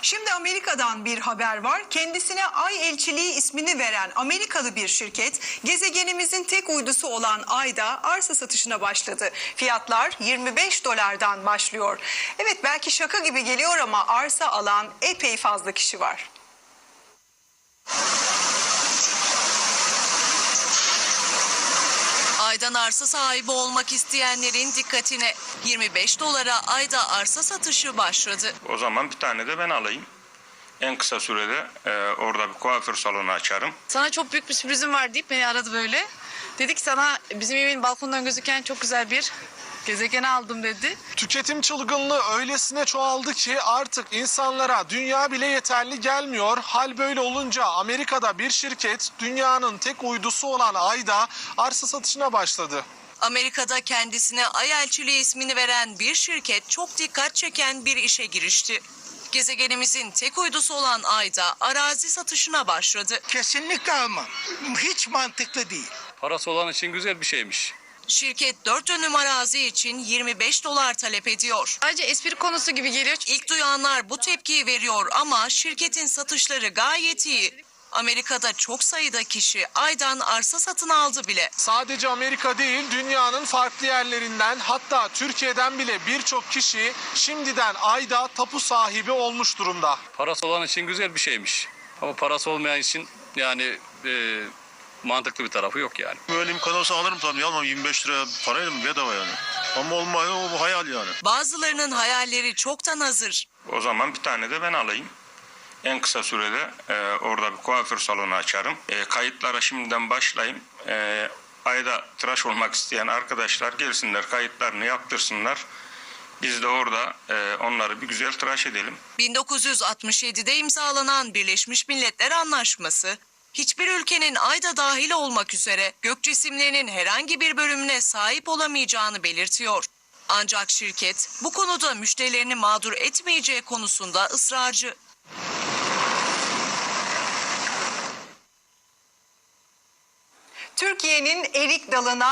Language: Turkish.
Şimdi Amerika'dan bir haber var. Kendisine Ay Elçiliği ismini veren Amerikalı bir şirket gezegenimizin tek uydusu olan Ay'da arsa satışına başladı. Fiyatlar 25 dolardan başlıyor. Evet, belki şaka gibi geliyor ama arsa alan epey fazla kişi var. Ay'dan arsa sahibi olmak isteyenlerin dikkatine 25 dolara Ay'da arsa satışı başladı. O zaman bir tane de ben alayım. En kısa sürede orada bir kuaför salonu açarım. Sana çok büyük bir sürprizim var deyip beni aradı böyle. Dedi ki sana bizim evin balkondan gözüken çok güzel bir gezegen aldım dedi. Tüketim çılgınlığı öylesine çoğaldı ki artık insanlara dünya bile yeterli gelmiyor. Hal böyle olunca Amerika'da bir şirket dünyanın tek uydusu olan Ay'da arsa satışına başladı. Amerika'da kendisine Ay Elçiliği ismini veren bir şirket çok dikkat çeken bir işe girişti. Gezegenimizin tek uydusu olan Ay'da arazi satışına başladı. Kesinlikle almam. Hiç mantıklı değil. Parası olan için güzel bir şeymiş. Şirket 4 dönüm arazi için 25 dolar talep ediyor. Sadece espri konusu gibi geliyor. İlk duyanlar bu tepkiyi veriyor ama şirketin satışları gayet iyi. Amerika'da çok sayıda kişi Ay'dan arsa satın aldı bile. Sadece Amerika değil, dünyanın farklı yerlerinden, hatta Türkiye'den bile birçok kişi şimdiden Ay'da tapu sahibi olmuş durumda. Parası olan için güzel bir şeymiş. Ama parası olmayan için yani mantıklı bir tarafı yok yani. Böyle imkan olsa alırım tabii, almam. 25 lira parayla mı, bedava yani. Ama olmuyor, o hayal yani. Bazılarının hayalleri çoktan hazır. O zaman bir tane de ben alayım. En kısa sürede orada bir kuaför salonu açarım. Kayıtlara şimdiden başlayayım. Ayda tıraş olmak isteyen arkadaşlar gelsinler, kayıtlarını yaptırsınlar. Biz de orada onları bir güzel tıraş edelim. 1967'de imzalanan Birleşmiş Milletler Anlaşması, hiçbir ülkenin Ay'da dahil olmak üzere gök cisimlerinin herhangi bir bölümüne sahip olamayacağını belirtiyor. Ancak şirket bu konuda müşterilerini mağdur etmeyeceği konusunda ısrarcı. Türkiye'nin erik dalına